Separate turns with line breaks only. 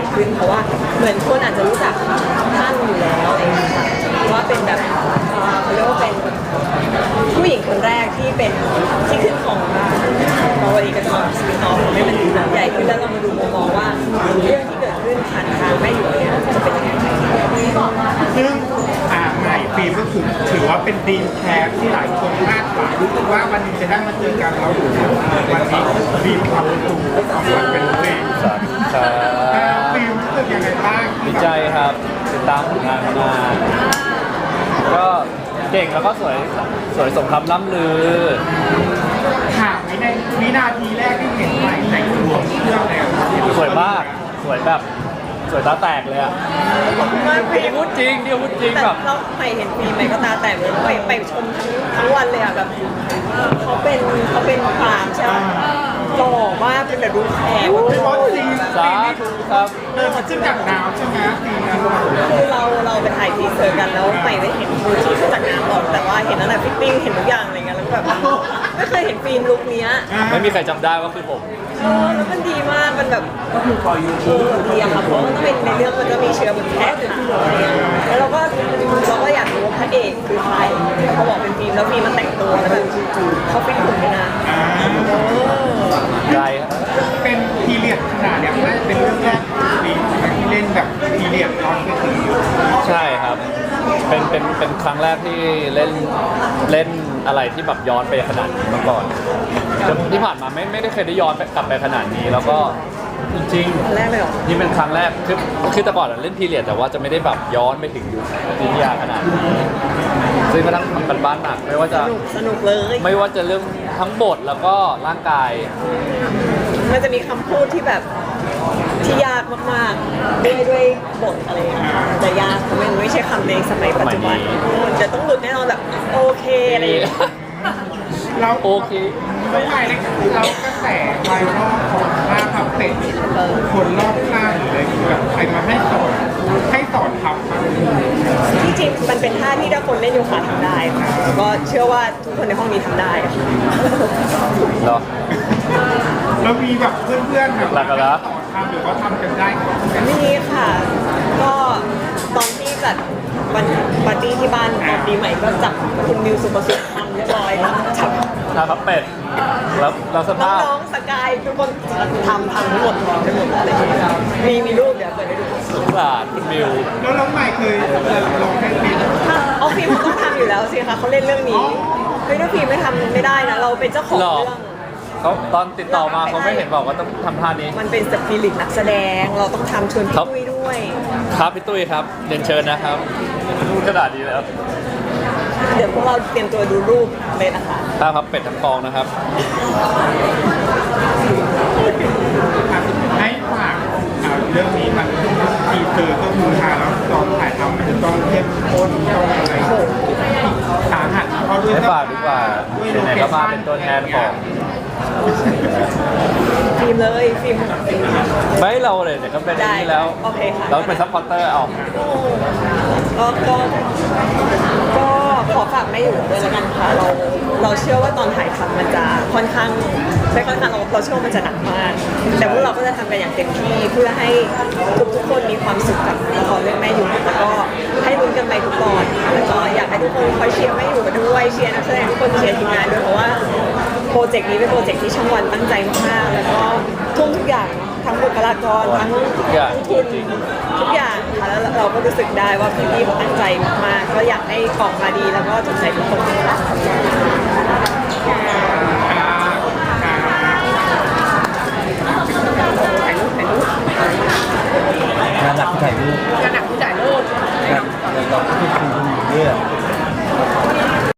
ขึ้นเพราะว่าเหมือนคนอาจจะรู้จักท่านอยู่แล้วอะไรอย่างเงี้ยค่ะว่าเป็นแบบเขาเรียกว่าเป็นผู้หญิงคนแรกที่เป็นที่ขึ้นของเราเองก็จะมาสปินออฟให้มันใหญ่ขึ้นแล้วเรามาดูมุมมองว่าเรื่องที่เกิดขึ้นผ่านทางแม่อยู่เนี่ยจะเป็นยังไง
ซึ่งใหม่ฟิล์มก็ถือว่าเป็นดีมแคสที่หลายคนคาดหวังว่าวันนี้จะได้มาเจอกันแล้ววันนี้ฟิล์มทำประตูของมันเป็นเพลง
สวัสดีครับ
ฟิล์มรู้สึกยังไงบ้าง
ดีใจครับติดตามผลงานมานานก็เก่งแล้วก็สวยสมคำล่ำลือ
ถามในวินาทีแรกที่เห็นใหม่แต่งตัวเครื่องแล้ว
สวยมากสวยแบบสวยตาแตกเลยอ่ะ
มาก
เดี๋ยวพูดจริง
แต่
แบบ
เราใหม่เห็นปีใหม่ก็ตาแตกเลยไปชมทั้งวันเลยอ่ะแบบเขาเป็นความใช่ไหมหล่อมากเป็นแบบดูแขก
เป็นบอสซีน
สาธุครับ
เดินมาขึ้นจากน้ำใช่ไหมซีนนั้น
คือเราไปถ่ายทีเซอร์กันแล้วใหม่ได้เห็นมือที่ขึ้นจากน้ำหรอกแต่ว่าเห็นตั้งแต่ฟิตติ้งเห็นทุกอย่างอะไรเงี้ยแล้วแบบไม่เคยเห็นฟิล์มลุคเนี้ย
ไม่มีใครจำได้ว่าคือผม
แล้วมันดีมากมันแบบดีอะค่ะเพราะมันต้องเป็นในเรื่องมันก็มีเชื้อบนแขกค่ะอะไรเงี้ยแล้วเราก็อยากรู้ว่าพระเอกคือใครเขาบอกเป็นฟิล์มแล้วฟิล์มมันแต่งตัวแล้วแบบเขาฟิตหุ่นด้วยนะ
ใจครับ
เป็นพีเรียดขนาดเนี้ยน่าจะเป็นเรื่องแรกของฟิล์มที่เล่นแบบพีเรียดย้อนไปถึงยุค
ใช่ครับเป็นครั้งแรกที่เล่นอะไรที่แบบย้อนไปขนาดนี้มาก่อนที่ผ่านมาไม่ได้เคยได้ย้อนกลับไปขนาดนี้แล้วก็จริง
แรกเลยเหรอ
ๆนี่เป็นครั้งแรกคือแต่ก่อนเล่นพีเรียดแต่ว่าจะไม่ได้แบบย้อนไปถึงยุควิทยาขนาดนี้ซึ่งก็ทั้งทำกันบ้านหนักไม่ว่าจะ
สนุกเลย
ไม่ว่าจะเรื่องทั้งบทแล้วก็ร่างกาย
มันจะมีคำพูดที่แบบที่ยากมากๆด้วยบทอะไรอย่างเงี้ยจะยากเพราะมันไม่ใช่คำในสมัยปัจจุบันจะต้องหลุดแน่นอนแบบโอเคอะไรอย่างเงี้ย
เรา
โอเค
แล้วไงเนี่ยเรากระแสไวรัลของท่าพับเป็ดคนรอบข้างเลยแบบใครมาให้สอนทำครับ
ที่จริงมันเป็นท่าที่ถ้าคนเล่นโยคะทำได้ค่ะแล้วก็เชื่อว่าทุกคนในห้องนี้ทำได้ค่ะ
เหรอ
แล้วมีแบบเพื่อนๆแบบ
หลักๆเหรอ
สอนทำหรือว่าทำกันได้ครับ
ไม่มีค่ะ ก็ตอนที่จัดวันปาร์ตี้ที่บ้านตอนปีใหม่ก็จับคุณมิวสุประสิทธิ์ทำเรียบร้อยแล้วจับ
ทาพับเป็ดแล้วสภาพ
น้องๆสกายทุกคนทำทั้งหมดไปหมดเลยมีรูปเดี๋ยวเปิดให้ดู
สงสารคุณมิว
แล้วน้องใหม่เคยลองให้ฟิล์ม
เอาฟิล์มเขาต้องทำอยู่แล้วสิคะเขาเล่นเรื่องนี้เฮ้ยถ้าฟิล์มไม่ทำไม่ได้นะเราเป็นเจ้าของ
หรอ
เรื่อง
เขาตอนติดต่อมาเขาไม่เห็นบอกว่าต้องทำท่านี้
มันเป็นสปิริตนักแสดงเราต้องทำชวนพี่
ครับ
ตุ้ยด้วย
ครับพี่ตุ้ยครับเรียนเชิญนะครับพูดขนาดนี้แล้ว
เดี๋ยวพวกเราเตรียมตัวดูรูปเลยนะคะ
ท่าพับเป็ดทั้งกองนะครับ
ให้ฝากเรื่องนี้มันทีเซอร์ก็คือทาแล้วตอนถ่ายทำมันจะต้องเข้มข้นต้องอะไรสาหัสเพราะด้วย
ให้ฝากดีกว่าไหนๆก็มาเป็นตัวแทนของ
ฟิล์มเลยฟิล์ม
ไม่เราเลยเนี่ยก็เป็นอย่างนี้แล้ว
โอเคค่ะ
เราเป็นซัพพอร์ตเตอร์เอา
ก็ขอฝากไม่อยู่ด้วยแล้วกันค่ะเราเชื่อว่าตอนถ่ายทำมันจะค่อนข้างไม่ค่อนข้างเราเชื่อว่ามันจะหนักมาก แต่พวกเราก็จะทำกันอย่างเต็มที่เพื่อให้ทุกคนมีความสุขกับละครเรื่องแม่อยู่แล้วก็ให้ลุ้นกันไปทุกตอนค่ะแล้วก็อยากให้ทุกคนคอยเชียร์แม่อยู่กันด้วยเชียร์นักแสดงทุกคนเชียร์ทีมงานด้วยเพราะว่าโปรเจกต์นี้เป็นโปรเจกต์ที่ช่องวันตั้งใจมากๆแล้วก็ทุ่มทุกอย่างทั้งบุคลากรทั้งทุนทุกอย่างค่ะแล้วเราก็รู้สึกได้ว่าพี่ๆเขาตั้งใจมากๆก็อยากให้ออกมาดีแล้วก็ถูกใจทุกคนนะคะ